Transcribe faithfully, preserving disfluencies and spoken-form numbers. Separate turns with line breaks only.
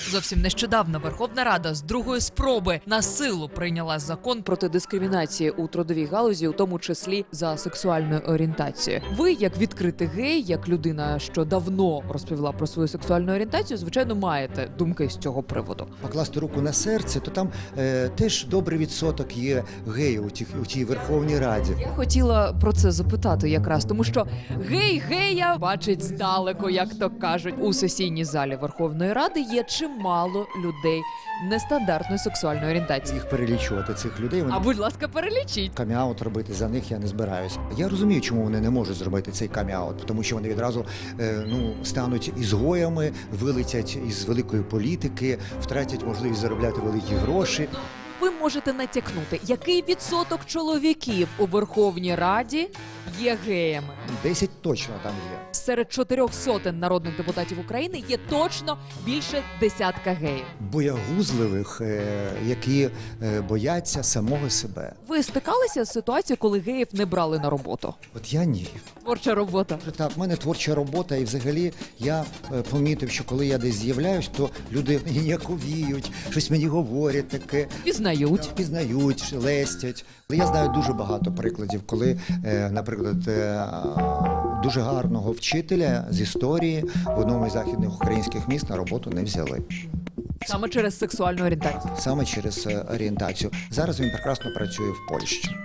Зовсім нещодавно Верховна Рада з другої спроби на силу прийняла закон проти дискримінації у трудовій галузі, у тому числі за сексуальною орієнтацією. Ви, як відкритий гей, як людина, що давно розповіла про свою сексуальну орієнтацію, звичайно, маєте думки з цього приводу.
Покласти руку на серце, то там е, теж добрий відсоток є геїв у, тих, у тій Верховній Раді.
Я хотіла про це запитати якраз, тому що гей гея бачить здалеку, як то кажуть. У сесійній залі Верховної Ради є чимало людей нестандартної сексуальної орієнтації.
Їх перелічувати, цих людей. Вони...
А будь ласка, перелічіть.
Каміаут робити за них я не збираюся. Я розумію, чому вони не можуть зробити цей каміаут, тому що вони відразу е, ну, стануть ізгоями, вилетять із великої політики, втратять можливість заробляти великі гроші.
Ви можете натякнути, який відсоток чоловіків у Верховній Раді є геями?
Десять точно там є.
Серед чотирьох сотень народних депутатів України є точно більше десятка геїв.
Боягузливих, е, які е, бояться самого себе.
Ви стикалися з ситуацією, коли геїв не брали на роботу?
От я ні.
Творча робота.
Так, в мене творча робота, і взагалі я е, помітив, що коли я десь з'являюсь, то люди ніяковіють, щось мені говорять таке.
Пізнають.
Пізнають, лестять. Я знаю дуже багато прикладів, коли, е, наприклад, е, дуже гарного вчителя з історії в одному із західних українських міст на роботу не взяли.
Саме через сексуальну орієнтацію.
Саме через е, орієнтацію. Зараз він прекрасно працює в Польщі.